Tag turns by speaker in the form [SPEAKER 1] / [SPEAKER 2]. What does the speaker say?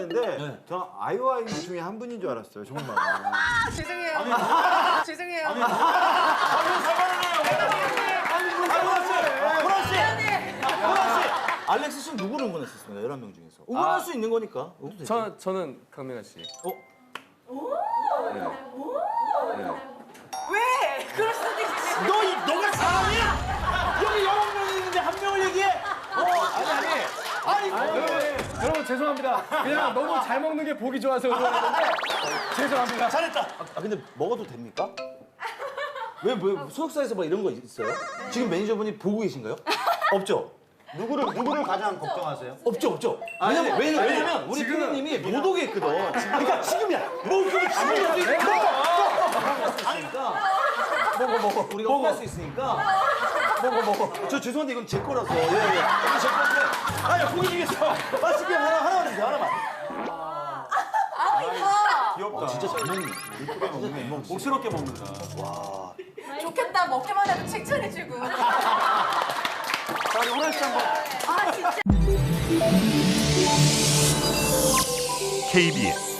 [SPEAKER 1] 봤는데 저 아이오아이 중에 한 분인 줄 알았어요, 정말.
[SPEAKER 2] 죄송해요. 죄송해요.
[SPEAKER 3] 알렉스 씨는 누구를 응원했었습니까? 11명 중에서. 응원할 수 있는 거니까.
[SPEAKER 4] 저는 강민아 씨.
[SPEAKER 2] 왜? 그럴 수도 있지.
[SPEAKER 3] 너가 사람이야? 여기 11명 있는데 한 명을 얘기해? 아니.
[SPEAKER 4] 여러분 죄송합니다. 그냥 너무 잘 먹는 게 보기 좋아서 그러는데 죄송합니다.
[SPEAKER 3] 잘했다. 근데 먹어도 됩니까? 왜 소속사에서 막 이런 거 있어요? 지금 매니저분이 보고 계신가요? 없죠?
[SPEAKER 1] 누구를 가장 걱정하세요?
[SPEAKER 3] 없죠. 왜냐면 우리 피디님이 못 오게 했거든. 그러니까 지금이야. 먹어. 우리가 먹을 수 있으니까. 먹어. 저 죄송한데 이건 제 거라서. 예. 이건 제 건데. 아니야, 고기 중에서 맛있게 하나만 주세요. 하나만.
[SPEAKER 1] 귀엽다.
[SPEAKER 3] 진짜 잘 먹네.
[SPEAKER 1] 예쁘게 먹네.
[SPEAKER 3] 복스럽게 먹는다.
[SPEAKER 2] 좋겠다. 먹기만 해도 칭찬해주고.
[SPEAKER 3] 자, 우리 호란 씨 한번.
[SPEAKER 2] 아 진짜.
[SPEAKER 5] KBS